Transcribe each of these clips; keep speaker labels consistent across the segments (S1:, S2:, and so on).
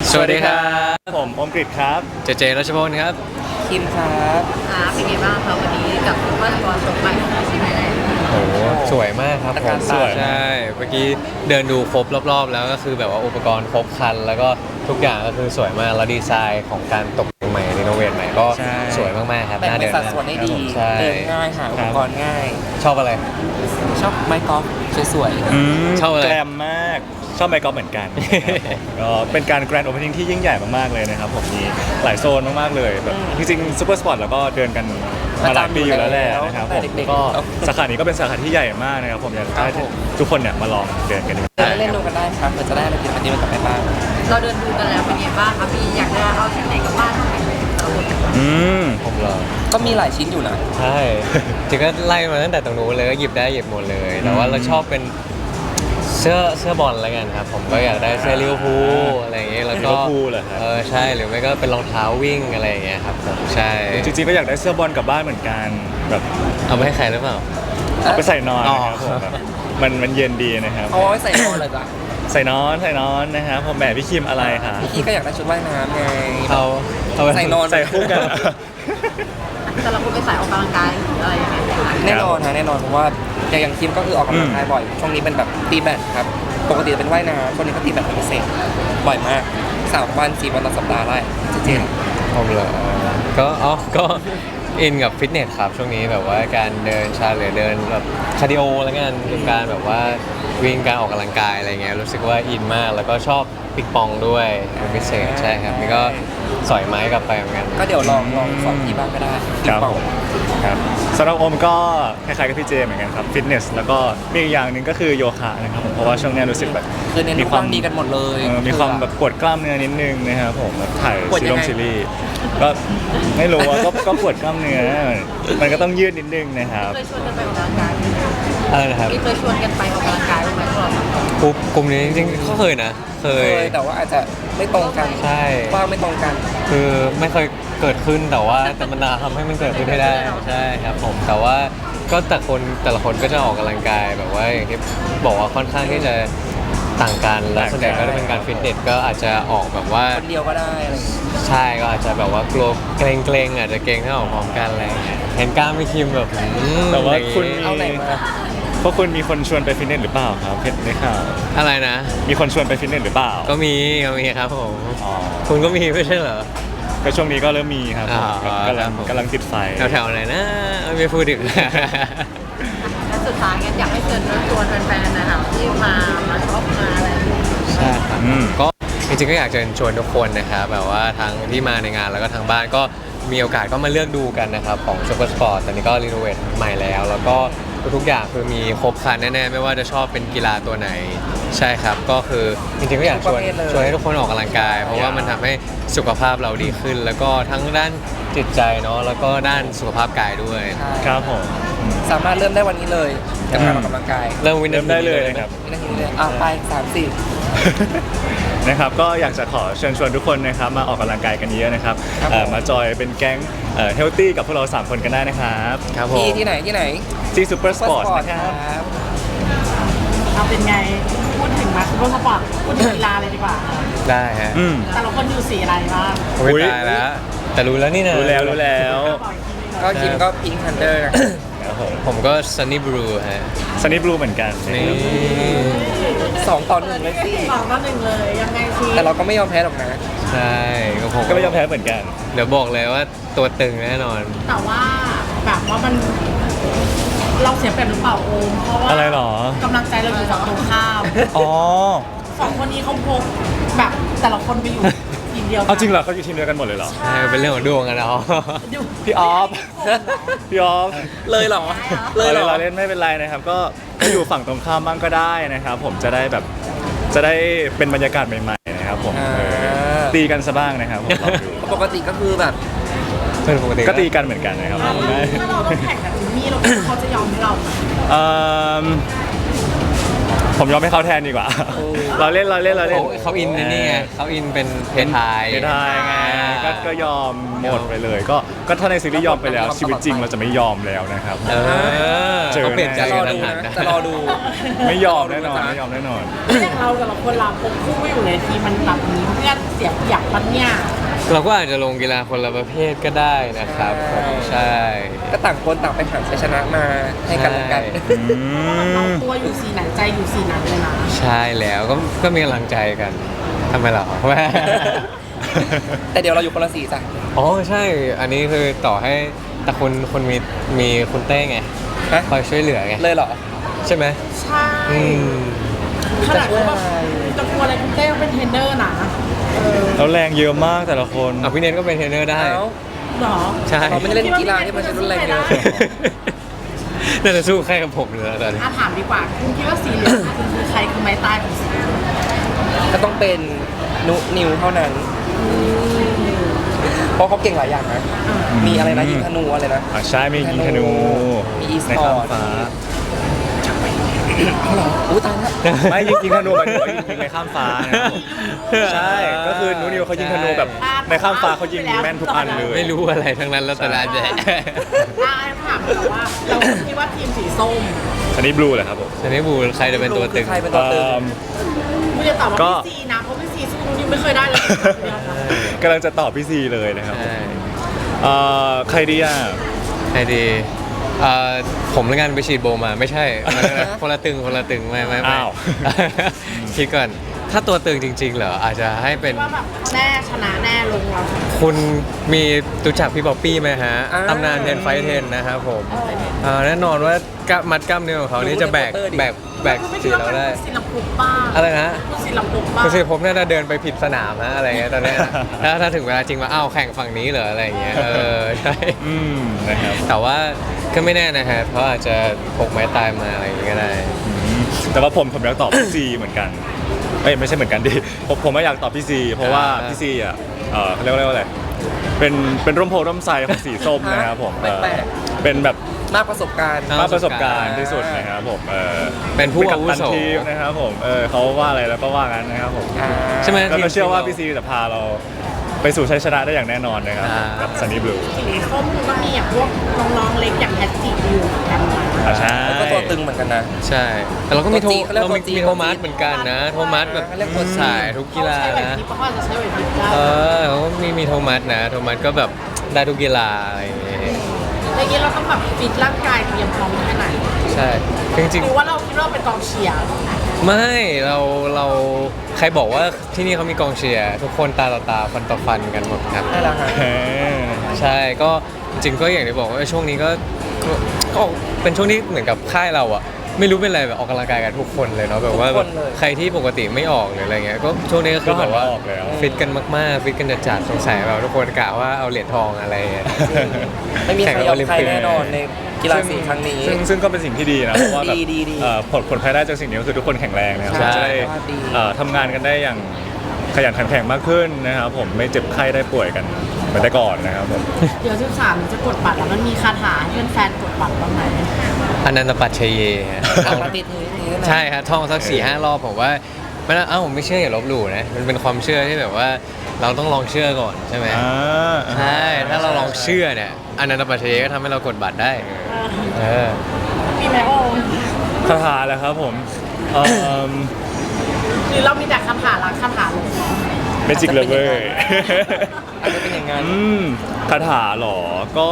S1: สวัสดีครับ
S2: ผมอมกฤษครับ
S1: เจรัชพลครับ
S3: คิมครับ
S4: เป็นไงบ้างคะวันนี้กับว่าตัวชมใหม่ของซีรีส์
S1: โอ้สวยมากครับผม
S2: สวย
S1: ใช่เมื่อกี้เดินดูครบรอบๆแล้วก็คือแบบว่าอุปกรณ์ครบครันแล้วก็ทุกอย่างก็คือสวยมากแล้วดีไซน์ของการตกแต่งใหม่รีโนเวทใหม่ก็สวยมากๆครับ
S3: แบ่งเป็นสัดส่วนได้ดีเดินง่ายหาอุปกรณ์ง่าย
S1: ชอบอะไร
S3: ชอบไม้กอล์ฟสวย
S1: ชอบอะไร
S2: แกรมมากชอบไมค์กอล์ฟเหมือนกันก็เป็นการแกรนด์โอเพนนิ่งที่ยิ่งใหญ่มากๆเลยนะครับผมมีหลายโซนมากๆเลยแบบจริงๆซูเปอร์สปอร์ตแล้วก็เดินกันมาหลายปีอยู่แล้วแหละนะครับผมก็สาขานี้ก็เป็นสาขาที่ใหญ่มากนะครับผมอยากให้ทุกคนเนี่ยมาลองเดินกันดู
S3: เล่นดูกันได้ครับเผื่อจะได้อะไรกินอันนี้มันกลับไปบ้าง
S4: เราเดินดูกันแล้วเป็นไงบ้างคะพี่อยากจะเอาชิ้นไหนกลับบ้านเท่าไหร่
S1: ผมเหรอ
S3: ก็มีหลายชิ้นอยู่นะ
S1: ใช่จริงก็ไล่มาตั้งแต่ตรงนู้นเลยก็หยิบได้หยิบหมดเลยแต่ว่าเราชอบเป็นเสื้อบอลอะไรกันครับผมก็อยากได้เสื้อลิเวอร์พูลอะไรอย่างเงี้ยแล้วก็ใช่หรือไม่ก็เป็นรองเท้าวิ่งอะไรอย่างเงี้ยครับผมใช่
S2: จริงๆก็อยากได้เสื้อบอลกลับบ้านเหมือนกันแบบ
S1: เอาไปให้ใครหรือเปล่า
S2: เอาไปใส่นอนนะครับผมแบบมันเย็นดีนะครับ
S3: เอาไว้ใส่นอนเลยจ้ะ
S2: ใส่นอนนะครับผมแบบพี่คิมอะไรครับ
S3: พี่ก็อยากได้ชุดว่ายน้ำไง
S1: เอา
S3: ใส่นอน
S2: ใส่คู่กัน
S4: แต่เราคุณไปสายออกกำลังกายหรืออะไรยังไง
S3: แน่นอนฮะแน่นอนเพราะว่าอย่างคิมก็คือออกกำลังกายบ่อยช่วงนี้เป็นแบบตีแบดครับปกติจะเป็นว่ายน้ำช่วงนี้ก็ตีแบดเป็นพิเศษบ่อยมาก3 วัน4 วันต่อสัปดาห์ได้จริง
S1: ๆผมเหรอก็อินกับฟิตเนสครับช่วงนี้แบบว่าการเดินชาหรือเดินแบบคาร์ดิโอแล้วกันการแบบว่าวิ่งการออกกำลังกายอะไรเงี้ยรู้สึกว่าอินมากแล้วก็ชอบปิกปองด้วยเป็นพิเศษใช่ครับนี่ก็สอยไม้กลับไปเหมือนกัน
S3: ก็เดี๋ยวลองสอนที่บ้านก็ได้
S2: ครับสำหรับโอมก็คล้ายๆกับพี่เจเหมือนกันครับฟิตเนสแล้วก็มีอีกอย่างหนึ่งก็คือโยคะนะครับผมเพราะว่าช่วงนี้รู้สึกแบบ
S3: มีความดีกันหมดเลย
S2: มีความแบบปวดกล้ามเนื้อนิดนึงนะครับผมถ่ายซีรีส์ก็ไม่รู้ว่าก็ปวดกล้ามเนื้อมันก็ต้องยืดนิดนึงนะครับ
S4: เคยชวนกันไปออกกำลังกาย
S1: อะไรนะครับ
S4: เคยชวนกันไปออกกำลังกายบ้างไหมพวกเรา
S1: กลุ่มนี้จริงๆก็เคยนะเคย
S3: แต่ว่าอาจจะไม่ตรงกัน
S1: ใช่
S3: ว่าไม่ตรงกัน
S1: คือไม่เคยเกิดขึ้นแต่ว่าแต่มันทำให้มันเกิดขึ้นให้ได้ใช่ครับผมแต่ว่าก็แต่ละคนก็จะออกกำลังกายแบบว่าอย่างที่บอกว่าค่อนข้างที่จะต่างกันแล้วส่วนใหญ่ก็จะเป็นการฟิตเนสก็อาจจะออกแบบว่า
S3: คนเดียวก็ได้อะไร
S1: ใช่ก็อาจจะแบบว่ากลัวเกรงอาจจะเกรงถ้าออกพร้อมกันอะไรเห็นกล้ามพี่คิมแบบ
S2: แต่ว่าคุณ
S3: เอาไหนมา
S2: เพราะคุณมีคนชวนไปฟิตเนสหรือเปล่าครับเพชรได้ข่าว
S1: อะไรนะ
S2: มีคนชวนไปฟิตเนสหรือเปล่า
S1: ก็มีครับผมคุณก็มีไม่ใช่เหรอ
S2: ก็ช่วงนี้ก็เริ่มมีครับกำลังติดไฟ
S1: แถวไหนนะไม่พูดถึง
S4: และสุดท้ายอยากให้เชิญชวนแฟนๆนะครับที่มาช็อปมาอะไร
S1: ใช่ครับก็จริงๆก็อยากเชิญชวนทุกคนนะครับแบบว่าทั้งที่มาในงานแล้วก็ทางบ้านก็มีโอกาสก็มาเลือกดูกันนะครับของซูเปอร์สปอร์ตตอนนี้ก็รีโนเวทใหม่แล้วก็ทุกอย่างคือมีครบครันแน่ๆไม่ว่าจะชอบเป็นกีฬาตัวไหนใช่ครับก็คือจริงๆก็อยากชวนให้ทุกคนออกกำลังกายเพราะว่ามันทำให้สุขภาพเราดีขึ้นแล้วก็ทั้งด้านจิตใจเนาะแล้วก็ด้านสุขภาพกายด้วย
S2: ครับผม
S3: สามารถเริ่มได้วันนี้เลยกับการออกกำลังกาย
S1: เริ่ม
S2: ได้เลยครับ
S3: ไป3-4
S2: นะครับก็อยากจะขอเชิญชวนทุกคนนะครับมาออกกำลังกายกันเยอะนะครับมาจอยเป็นแก๊งเฮลตี้กับพวกเรา3คนกันได้นะครับ
S3: ที่ไหน
S2: ที่ซูเปอร์สปอร์ตนะครับ
S4: เอาเป็นไงพูดถึงมาซูเปอร์สปอร์ตพูดถึงกีฬาเลยดีกว่า
S1: ได้ฮะ
S4: แต่เราคนอยู่สีอะไรบ้าง
S1: ตายแล้วแต่รู้แล้วนี่นะ
S2: รู้แล้ว
S3: ก็คิมก็พิงค์ฮันเตอร์
S1: ผมก็ซันนี่บลูฮะ
S2: ซันนี่บลูเหมือนกัน
S1: นี่
S3: 2-1เลยสิ
S4: 2-1เลยยังไงสิ
S3: แต่เราก็ไม่ยอมแพ้หรอกนะ
S1: ใช่
S2: ผมก็ไม่ยอมแพ้เหมือนกัน
S1: เดี๋ยวบอกเลยว่าตัวตึงแน่นอน
S4: แต่ว่าแบบว่ามันเราเสียเปรียบหรือเปล่าโอมเพราะว่า
S2: อะไรหร
S4: อกำลังใจเราอยู่ฝั่งตรงข้าม2 คนนี้เขาพกแบบแต่ละคนไปอยู่ทีมเดียว
S2: เอาจริงเหรอเขาอยู่ทีมเดียวกันหมดเลยเหรอ
S1: ใช่เป็นเรื่องของดวงกันเนาะ
S2: พี่ออฟ
S3: เลยเหรอ
S2: เราเล่นไม่เป็นไรนะครับก็อยู่ฝั่งตรงข้ามบ้างก็ได้นะครับผมจะได้เป็นบรรยากาศใหม่ๆนะครับผมตีกันซะบ้างนะครับผม
S3: ปกติก็คือแบบ
S2: ก็ตีกันเหมือนกันนะครับ
S4: ถ้าเราต้องแข่งกับจิมมี่เขาจะยอมให้เรา
S2: ผมยอมให้เขาแทนดีกว่า เราเล่น
S1: เขาอินในนี่ไงเขาอินเป็นเพทาย
S2: ไม่ได้ไงก็ยอมหมดไปเลย ก็ถ้าในซีรีส์ยอมไปแล้วชีวิตจริงเราจะไม่ยอมแล้วนะครับ
S1: เออ
S2: เจอ
S1: เขาเปลี่ยนใจ
S3: จะร
S1: กั
S3: อน ดู
S1: ทัน
S3: นะ
S1: นะ
S3: จะรอดู
S2: ไม่ยอมแน่นอนไม่ยอมแน่นอน
S4: อย่างเราแต่ละคนเราพกคู่ไม่อยู่ในทีมมันแบบนี้เพื่อนเสียเปรียบปัญญา
S1: เราก็อาจจะลงกีฬาคนละประเภทก็ได้นะครับผมใช่
S3: ก็ต่างคนต่างไปหาชัยชนะมาให้กันและกัน
S4: เราตัวอยู่สีไหนใจอยู่สีนั้นเลยนะ
S1: ใช่แล้วก็มีกำลังใจกันทำไมเหรอ
S3: แต่เดี๋ยวเราอยู่คนละสีจ้ะ
S1: อ๋อใช่ อันนี้คือต่อให้แต่คนมีคุณเต้ไง
S3: ฮะ
S1: คอยช่วยเหลือไง
S3: เลยเหรอ
S1: ใช่ไหม
S4: ใช่
S1: อืม
S4: ขนาดว่าแบบจะกลัวอะไรคุณเต้ก็เป็นเทรนเนอร์นะเออ
S2: แล้วแรงเยอะมากแต่ละคน
S1: อ่ะพี่เนทก็เป็นเทรนเนอร์ได้
S3: เอ้า
S4: เหรอ
S1: ใช่
S3: เราไม่ได้เล่นกีฬาที่มันใช้รุนแรงเยอะ
S1: น่าจะสู้แค่กับผมเลยตอนนี้
S4: ถามดีกว่าคุณคิดว่าสีเหลืองคือใครคือไม้ตายของสีเหลือง
S3: ก็ต้องเป็นนุนิวเท่านั้น เพราะเขาเก่งหลายอย่างนะ มีอะไรนะยิงธนูอะไรนะ
S2: ใช่มียิงธนู
S3: มีอีส
S2: ใน
S3: ปอ
S2: ข้าม
S3: ร์ต
S2: ฟ้า
S3: อู้ตายแล้ว
S2: ไม่ยิงธนูหมายถึงว่ายิงในข้ามฟ้านะครับผมใช่ก็คือนูนิวเขายิงธนูแบบในข้ามฟ้าเขายิงแม่นทุกอันเลย
S1: ไม่รู้อะไรทั้งนั้นแล้วแต่ละแดะ
S4: ถามแต่ว่าเราคิดว่าทีมสีส้ม
S2: อันนี้บลูเหรอครับผม
S1: ชนิบูใครจะเป็นตัวตึง
S3: ใครเป็นตัวตึง
S4: ไม่จะตอบว่า
S2: ก็
S4: พี่ซีนะเพราะพี่ซีสู้นิวไม่เคยได้เลย
S2: กำลังจะตอบพี่ซีเลยนะครับ
S1: ใช่
S2: ใครดีอ่ะ
S1: ใครดีผมแล้วกันไปฉีดโบมาไม่ใช่คนละตึงไม่
S2: อ้าว
S1: คิดก่อนถ้าตัวตึงจริงๆเหรออาจจะให้เป็น
S4: ว่าแบบแน่ชนะแน่ลงเรา
S1: คุณมีรู้จักพี่บ๊อบปี้ไหมฮะ
S3: อ่า
S1: ตำนานเทนไฟเทนนะครับผมแน่นอนว่ากล้ามมัดกล้ามเนื้อของเขานี่จะแบก
S3: ดูในโปสเตอร์ดิ
S1: แบก
S4: คือไม่
S1: สี
S4: คิดว่า
S1: เรา
S4: เป็น
S1: ได้
S4: ศิลปุบ้าง
S1: อะไรนะ
S4: ศิลปุบ้าง
S1: คุณสิผมน่าจะเดินไปผิดสนามนะอะไรเงี้ยตอนเนี้ยถ้าถึงเวลาจริงว่าอ้าวแข่งฝั่งนี้เหรออะไรเงี้ยใช่
S2: อืมนะครับ
S1: แต่ว่าก็ไม่แน่นะฮะเขาอาจจะพกไม้ตายมาอะไรอย่างเงี้ยก็ได้
S2: แต่ว่าผมอยากตอบพี่ซีเหมือนกันไม่ใช่เหมือนกันดิผมไม่อยากตอบพี่ซีเพราะว่าพี่ซีอ่ะเขาเรียกว่าอะไรเป็นร่มโพร่มไทรของสีส้มนะครับผม
S3: แปลก
S2: เป็นแบบ
S3: มากประสบการณ์
S1: อ่
S2: มากประสบการณ์ที่สุดนะครับผม
S1: เป็นผู้
S2: กั
S1: อาวุ
S2: ปตัน
S1: โส
S2: ทีมนะครับผมเขาว่าอะไรแล้วก็ว่างั้นนะครับผม
S1: ใช่ไหม
S2: แล้วก็เชื่อว่าพี่
S1: ซี
S2: ซีจะพาเราไปสู่ชัยชนะได้อย่างแน่นอนนะครับ
S1: อ่า
S2: กับซันนี่บลู
S4: สีส้มก็มีอย่างพวกน้องๆเล็กอย่างแพทติอยู่เหมือนกันนะ
S2: ใช่
S3: แล้วก็ตัวตึงเหมือนกันนะ
S1: ใช่ แต่เราก็มี
S3: ตัวจี๊ดเขาเรียก
S1: เรา
S3: ตัวจี๊ด
S1: มีโทมัสเหมือนกันนะโทมัสแบบ
S3: เขาเรียกตัวจี๊ด
S1: สายทุกกีฬา
S4: เขาใช้ไหว
S1: นะ
S4: พริบเพราะว่าจะใช้ไหวพริบได้
S1: เขาก็มีโทมัสนะโทมัสก็แบบได้ทุกกีฬาอะไรอย่างเงี้ย
S4: อย่างนี้เราต้องแบบฟิตร่างกายเตรียมพร้อมแค่ไหน
S1: ใช่จริง
S4: หรือว่าเราคิดว่าเป็นกองเชียร์
S1: ๆไม่เราใครบอกว่าที่นี่เขามีกองเชียร์ทุกคนตาต่อตาฟันต่อฟันกันหมดครับ
S3: นั่นแหละฮะ
S1: ใช่ก็จริงๆก็อย่างที่บอกว่าช่วงนี้ก็เป็นช่วงที่เหมือนกับค่ายเราอะไม่รู้เป็นอะไรแบบออกกำลังกายกันทุกคนเลยเนาะแบบว่า
S3: ทุกคนเลย
S1: ใครที่ปกติไม่ออกหรืออะไรเงี้ยก็ช่วงนี้ก็คือแบบว่า
S2: ก็หันมาออกแล้ว
S1: ฟิตกันมากๆฟิตกันจัดๆสงสัยแบบทุกคนกะว่าเอาเหรียญทองอะไรเงี้ย
S3: ไม่มีใคร
S1: แข่ง
S3: ยอม
S1: โอลิม
S3: ใคร
S1: ปิก
S3: แน่นอนในกีฬาสีครั้งนี้
S2: ซึ่งก็เป็นสิ่งที่ดีนะเพราะว่าแบบ
S3: ดี
S2: ผลภายได้จากสิ่งนี้ก็คือทุกคนแข็งแรงนะครับ
S1: ใช่
S2: จะได้
S3: ดี
S2: ทำงานกันได้อย่างขยันขันแข็งมากขึ้นนะครับผมไม่เจ็บไข้ได้ป่วยกันเหมือนแต่ก่อนนะครับผม
S4: เดี๋ยว13จะกดบัตรแล้วมันมีคาถาให้แฟนๆกดบัตรบ้างไหม
S1: อนันตปัจเชเยฮะ
S3: เอามาติดนี้นะ
S1: ใช่ครับท่องสัก4-5 รอบผมว่าไม่นะผมไม่เชื่ออย่าลบหลู่นะมันเป็นความเชื่อที่แบบว่าเราต้องลองเชื่อก่อนใช่ไหมใช่ถ้าเราลองเชื่อเนี่ยอนันตปัจเชเยก็ทำให้เรากดบัตรได้เออ
S4: มีไหมโอม
S2: คาถาแหละครับผม
S4: หรือเรามีแต่คาถารักคาถาหลง
S2: เมจิกเลเวอร์
S3: อาจจะเป็นอย่างนั้น
S2: คาถาเหรอก็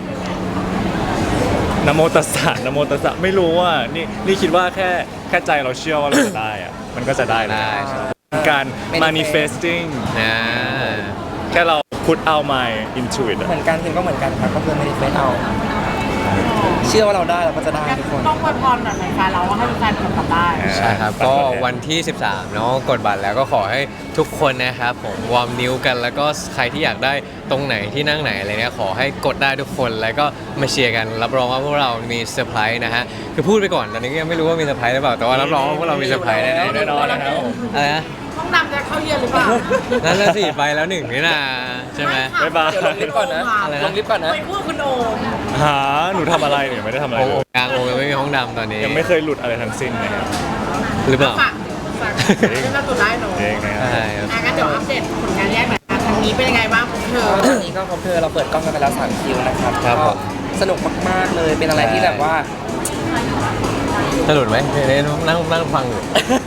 S2: นะโมตัสสะนะโมตัสสะไม่รู้ว่านี่คิดว่าแค่ใจเราเชื่อว่าเราจะได้อะมันก็จะได้เลย
S1: ได้
S2: การ manifesting
S1: นะ
S2: แค่เรา put out my into it
S3: เหมือนกันทีมก็เหมือนกันครับก็คือไม่ได้เฟซเอาเชื่อว่าเราได้เราก็จะได้ทุกคน
S4: ต้องอวยพรหน่อยแฟนเราว่าให้แฟนๆกดบัตรได้
S1: ใช่ครับก็วันที่ 13เนาะกดบัตรแล้วก็ขอให้ทุกคนนะครับผมวอร์มนิ้วกันแล้วก็ใครที่อยากได้ตรงไหนที่นั่งไหนอะไรเนี่ยขอให้กดได้ทุกคนแล้วก็มาเชียร์กันรับรองว่าพวกเรามีเซอร์ไพรส์นะฮะคือพูดไปก่อนตอนนี้ก็ยังไม่รู้ว่ามีเซอร์ไพรส์หรือเปล่าแต่ว่ารับรองว่าพวกเรามีเซอร์ไพรส์แน่ๆ
S2: แน่นอนนะครับผม
S1: อะไรนะ
S4: ห้องน้ำจะเข้าเย็นหรือเปล่า
S1: นั่นแหละสิไปแล้วหนึ่งนี่นะใช่ไหม
S2: บ๊ายบาย
S3: เดี๋ยวลงลิฟต์ก่อนนะ
S1: อะไรนะ
S3: ลงลิฟต์ก่อนนะ
S4: ไปพูดคุณโอม
S2: หาหนูทำอะไรเนี่ยไม่ได้ทำอะไร
S1: โอ้
S2: เลย
S1: กลางโอ้ยังไม่มีห้องดำตอนนี้
S2: ยังไม่เคยหลุดอะไรทั้งสิ้นนะครับ
S1: หรือเปล่า
S4: ฝากเรื่องล่าสุดได้หนู
S2: เองนะครับ
S1: ใช่ครับ
S4: งั้นเดี๋ยวอัปเดตผลงานแยกหน่อยนะทางนี้เป็นยังไงบ้างของเธอ
S3: ตอนนี้ก็คอมเธอเราเปิดกล้องกันไปแล้ว3คิวนะครับ
S1: ครับ
S3: ก็
S1: ผม
S3: สนุกมากๆเลยเป็นอะไรที่แบบว่า
S1: จะหลุดไหมเนี่ยนั่งฟังอยู่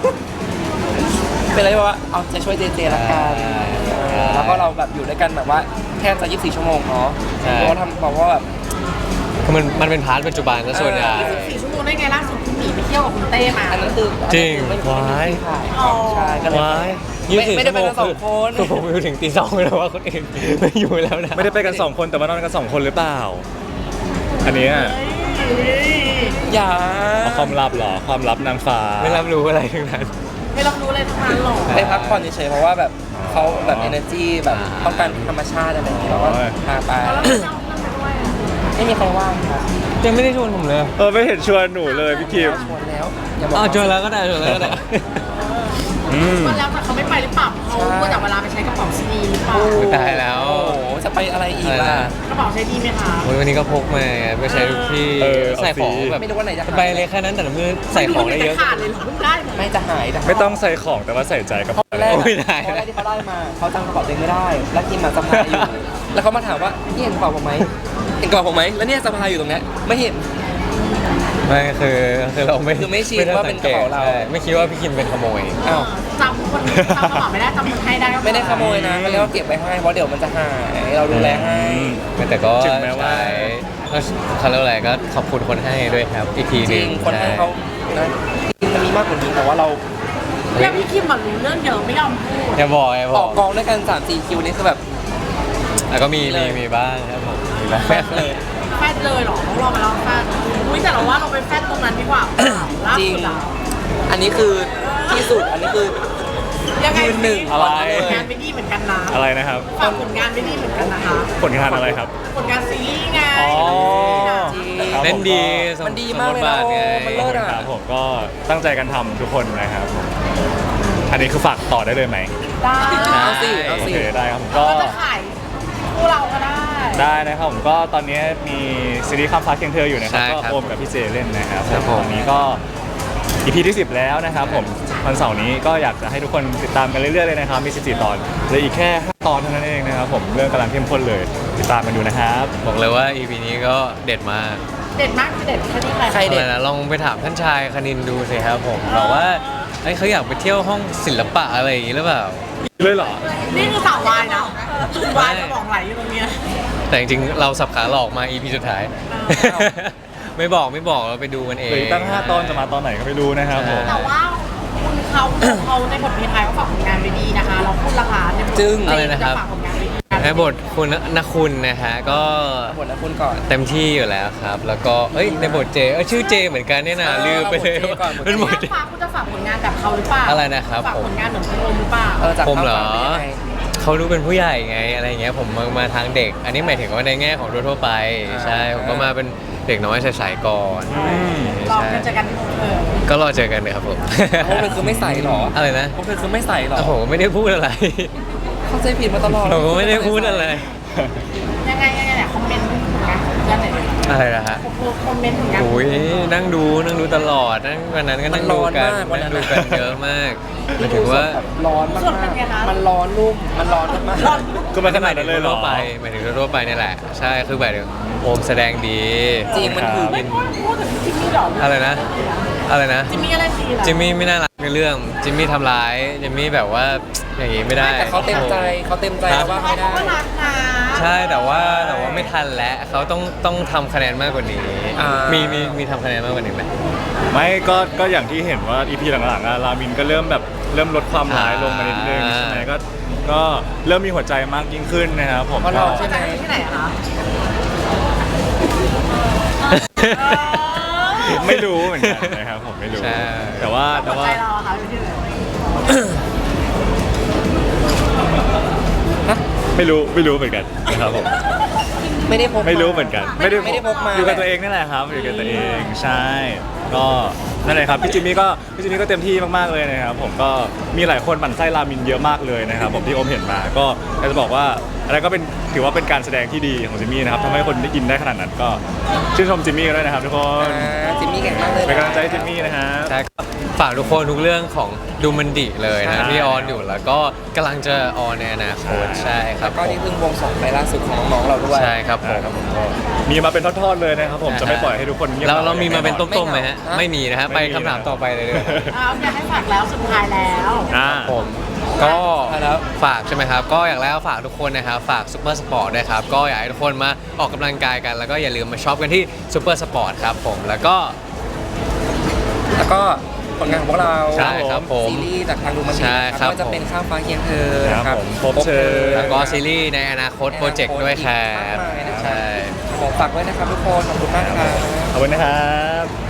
S3: เป็นอะไรที่ว่าเอาใจช่วยเจเจละกัน
S1: ใช่
S3: แล้วก็เราแบบอยู่ด้วยกันแบบว่าแทบจะ24 ชั่วโมงเนาะ
S1: ใช่
S3: เพราะว่าทำบอกว่าแบบ
S1: คือมันเป็นพาร์ทปัจจุบันซะส่วนใหญ่
S4: 4 ชั่วโมงได้ไงล่าสุดคุณหนีไปเที่ยวกับคุณเต้มา
S3: อันนั้นคือ
S1: จริง
S3: ไม่
S1: ว้าย
S3: ถ่ายครับใช่ก็เลย
S1: ว้าย
S3: ไม่ได้ไปกันสองคน
S1: คือผมอยู่ถึงตี 2เลยว่าคนอื่นไม่อยู่แล้วนะ
S2: ไม่ได้ไปกัน 2 คนแต่ว่านอนกัน 2 คนหรือเปล่า อันเนี้ย
S3: อย่า
S2: เอาความลับเหรอความลับนางฟ้า
S1: ไม่รับรู้อะไรทั้งนั้น
S4: ไม่รับรู้เลยทั้งนั้นหรอก
S3: ไปพักผ่อนเฉยๆเพราะว่าแบบเขาแบบ energy แบบต้องการธรรมชาติอะไรอย่างเงี้ยเราก็พาไป
S4: แล้วเราจะเอาเรื่องไปด้วยอะ
S3: ไม่มีใครว่างครับ
S1: ยังไม่ได้ชวนผมเลย
S2: ไม่เห็นชวนหนูเลยพี่คิม
S3: ชวนแล้วอย่าบอก
S1: อ๋อชวนแล้วก็ได้ชวนแล้วก็ได้
S4: ก็แล้วแต่เขาไม่ไปหรือเปล่าเขาก็แต่เวลาไปใช้กระเป๋าซีดีหรือเปล่า
S1: ตายแล้ว
S3: โอ้โหจะไปอะไรอีกล่ะ
S4: กระเป๋าใช้ดีไหมคะ
S1: โอ้ยวันนี้ก็พกมาไปใช้ทุกที่ ใส่ของแบบ
S3: ไม่รู้ว่าไหนจะ
S1: สบายเลยแค่นั้นแต่ละมือใส่ของได้เยอะ
S4: ขาดเลยเหรอเพิ่งได้มา
S3: ไม่จะหายแต่
S2: ไม่ต้องใส่ของแต่ว่าใส่ใจกับ
S3: ตอนแรก
S1: ไม่ได้
S3: ตอนแรกที่เขาได้มาเขาจำกระเป๋าตัวเองไม่ได้ แล้วทีมมาสะพายอยู่ แล้วเขามาถามว่านี่เห็นกระเป๋าผมไหมเห็นกระเป๋าผมไหมแล้วเนี่ยสะพายอยู่ตรงเนี้ยไม่เห็น
S1: ไม่คือเราไม่
S3: คือไม่ชินว่าเป็นกระเป๋าเรา
S1: ใช่ไม่คิดว่าพี่คิมเป็นขโมย
S3: อ้าว
S4: จำคนจำกระเป๋าไม่ได้จำคนให้ได้ก็พอ
S3: ไม่ได้ขโมยนะเขาเรียกว่าเก็บไว้ให้เพราะเดี๋ยวมันจะหายเราดูแลให้
S1: แต่ก็
S2: ถึงแม้ว่า
S1: ใช้เขาเรียกว่าอะไรก็ขอบคุณคนให้ด้วยครับ อีกทีห
S3: จ
S1: นึ
S3: ริ
S1: ง
S3: งคนให้เขานะมันมีมากกว่านี้แต่ว่าเรา
S4: เรื่องพี่คิมมันรู้เรื่องเยอะไม่ยอมพูด
S1: อย่าบอกอย่าบ
S3: อ
S1: อ
S3: อก กกองด้วยกัน3-4 คิวนี่คือแบบ
S1: แล้วก็มีบ้างครับผมมีบ้าง
S3: แฟบเลย
S4: แฟดเลยเหรอต้องรอมาแล้วแฟดอุ้ยแต่เราว่าเราไปแฟดตรงนั้นดีกว่าเปล่าล่า
S3: จริง
S4: สุดอะ
S3: อันนี้คือที่สุดอันนี้คือ
S4: ยังไง
S3: ยืนหนึ่ง
S4: ฝากผลงานไปดีเหมือนกันนะ
S2: อะไรนะครับ
S4: ฝากผลงานไปดีเหมือนกันนะคะ
S2: ผลงานอะไรครับ
S4: ผลงานซีรีส์ไง
S2: อ๋อ
S3: จริง
S2: ครับ
S1: เล่นดี
S3: มันดีมากเลย
S1: ส
S3: นะ
S1: บทบาทไง
S3: มันเลิศอะ
S2: ครับผมก็ตั้งใจกันทำทุกคนนะครับผมอันนี้คือฝากต่อได้เลยไหม
S4: ได้
S3: เอาสิ
S2: โอ
S3: เอาสิ
S2: เคได้ครับผม
S4: ก็
S2: ก็
S4: จะขายคู่เราก็ได้
S2: ได้นะครับผมก็ตอนนี้มีซีรีส์ข้ามฟ้าเคียงเธออยู่นะครับ
S1: ใช่
S2: ก็
S1: ครับ
S2: โอมกับพี่เจเล่นนะครับ
S1: ครับผม
S2: ตอนนี้ก็ EP ที่ 10 แล้วนะครับผมวันเสาร์นี้ก็อยากจะให้ทุกคนติดตามกันเรื่อยๆเลยนะครับมี14 ตอนเหลืออีกแค่ 5 ตอนเท่านั้นเองนะครับผมเรื่องกำลังเข้มข้นเลยติดตามกันดูนะครับ
S1: บอกเลยว่า EP นี้ก็เด็ดมาก
S4: เด็ดมากคือเด็ดแค่ที่ใคร
S3: ใคร เด็ด
S1: อะไรนะลองไปถามท่านชายคณินดูสิครับผมบอกว่าเอ้ยเขาอยากไปเที่ยวห้องศิลปะอะไรอย่างนี้หรือเปล่า
S2: เลยเหรอ
S4: นี่คือสาววายนะวายสมองไหลอยู่ตรงเนี้ย
S1: แต่จริงๆเราสับขาหลอกมา EP สุดท้าย
S4: อ้าว
S1: ไม่บอกเราไปดูกันเอ
S2: เหลือง อีกตั้ง 5 ตอนจะมาตอนไหนก็ไม่รู้นะครับผม
S4: แต่ว่าคุณเขาในบทเพลงไทยเขาฝากผลงานไปดีนะคะ เราพูดราคาในบท
S3: จึ้ง
S1: อะไรนะครับ
S4: ฝากผลงานไปดี
S1: ในบทคุณนคุณนะฮะก็
S3: ผลนะคุณก่อน
S1: เต็มที่อยู่แล้วครับ แล้วก็เอ้ยในบทเจชื่อเจเหมือนกันเนี่ยนะ
S3: เออ
S1: ลืมไปเลย
S3: บทเจก่อน
S1: เป็นบทเจ
S4: ฝากคุณจะฝากผลงานแบบเขาหรือเปล่า
S1: อะไรนะครับ
S4: ฝาก
S1: ผม
S4: ผลงานเหมือนคุณโอมหรือเปล่า
S3: จาก
S1: ผมเหรอ
S3: ข้าวสารเป็นยังไง
S1: เขาดูเป็นผู้ใหญ่ไงอะไรเงี้ยผมมาทางเด็ก อันนี้หมายถึงว่าในแง่ของทั่วๆไป
S3: อ่า
S1: ใช่ผมก็มาเป็นเด็กน้อยใสๆก่อน
S4: ลอง
S1: ใช่
S4: กันเจอกันเออ
S1: ก็รอเจอกันเลยครับผม
S3: พวกเธอคือไม่ใส่หรอ
S1: อะไรนะ
S3: พวกเธอคือไม่ใส่หรอ
S1: โอ้โหไม่ได้พูดอะไร
S3: เข้าใจผิดมาตลอด
S1: ผมก็ไม่ได้พูดอะไร
S4: ยังไงเนี่ยคอมเมนต์ผลงานของเพื่อนหน่อยดิ
S1: อะไรนะฮะ
S4: คอมเมนต์ผลงาน
S1: โอ้ยนั่งดูตลอดนั่งวันนั้นก็นั่งดูกันนั่งดูกันเยอะมากหมายถึงว่า
S3: ร้อนมากๆมันร้อนนุ่มมันร้อนมาก
S4: ร้อน
S2: ก็มาขนาดนั้นเลยเหรอ
S1: ทั่วไปหมายถึงทั่วไปนี่แหละ ใช่คือแบบโอมแสดงดี
S3: ๆจริงมันคือ
S4: ไม่พูดถึงจิมมี่หรอ
S1: อะไรนะ อะไรนะ
S4: จิมมี่อะไรดีล่ะ
S1: จิมมี่ไม่น่ารักในเรื่องจิมมี่ทำร้ายจิมมี่แบบว่าอย่างงี้ไม่ได้
S3: แต่เขาเต็มใจแล้วว่าไม่ได้
S4: เขาก็รักนะ
S1: ใช่แต่ว่าไม่ทันแล้วเขาต้องทำคะแนนมากกว่านี้
S3: อ่ามี
S1: มีทำคะแนนมากกว่านี้ไหม
S2: ไม่ก็อย่างที่เห็นว่า EP หลังๆอะรามินก็เริ่มลดความร้ายลงมานิดนึง
S1: อ่า
S2: ใช่ไหมก็เริ่มมีหัวใจมากยิ่งขึ้นนะครับผม
S3: เพราะเราใช่ไหม
S4: จากที่ไหนอะคะ
S2: ไม่รู้เหมือนกันนะครับผมไม่รู้
S1: ใช่
S2: แต่ว่า
S4: หัวใจเราอะคะอยู่ที่ไหน
S2: ไม่รู้เหมือนกันนะครับผม
S3: ไม่ได้พกา
S2: ไม่รู้เหมือนกัน
S3: ไม่ได้พกมา
S2: อยู่กับตัวเองนี่แหละครับอยู่กับตัวเองใช่ก็นั่นเลยครับพี่จิมมี่ก็เต็มที่มากๆเลยนะครับผมก็มีหลายคนหมั่นไส้รามินเยอะมากเลยนะครับผมที่โอมเห็นมาก็อยากจะบอกว่าอะไรก็เป็นถือว่าเป็นการแสดงที่ดีของจิมมี่นะครับทำให้คนได้อินได้ขนาดนั้นก็ชื่นชมจิมมี่ด้วยนะครับทุกคน
S3: จิมมี่เก่งมากเลย
S2: เป็นกำลังใจให้จิมมี่นะครับ
S1: ใช่ครับฝากทุกคนทุกเรื่องของดูมันดิเลยนะ
S2: ใช่
S1: ที่ออนอยู่แล้วก็กำลังจะออนในอนาคตใช่ครับ
S3: ก็นี่เพิ่งวงสองไปล่าสุดของน้องๆเราด้วย
S1: ใช่ครับผม
S2: ครับผมก็มีมาเป็นทอดๆเลยนะครับผมจะไม่ปล่อยให้ทุกคนเงียบ
S1: เรามีมาเป็น
S2: ต้น
S1: ต้มๆไหมฮะไม่มีนะฮะไปคำถามต่อไปเลยเลย
S4: อยากให้ฝากแล้วสุดท้ายแล้ว
S1: ผมก็ฝากใช่ไหมครับ ก็อย่างแรกฝากทุกคนนะครับ ฝากซูเปอร์สปอร์ตด้วยครับ ก็อยากให้ทุกคนมาออกกำลังกายกัน แล้วก็อย่าลืมมาช็อปกันที่ซูเปอร์สปอร์ตครับผมแล้วก็
S3: ผลงานของพวกเรา
S1: ใช่ครับผม
S3: ซีรีส์จากทางดูมันดี
S1: ใช่ครับ
S3: ก็จะเป็นข้ามฟ้าเคียงเธอ
S2: ครับ
S3: นะครับ
S2: ผมพบเธอ
S1: แล้วก็ซีรีส์ในอนาคตโปรเจกต์ด้วยครับ
S3: มากมายนะครับ
S1: ใช่
S3: ขอฝากไว้นะครับทุกคนขอบคุณมากครับ
S2: ขอบคุณนะครับ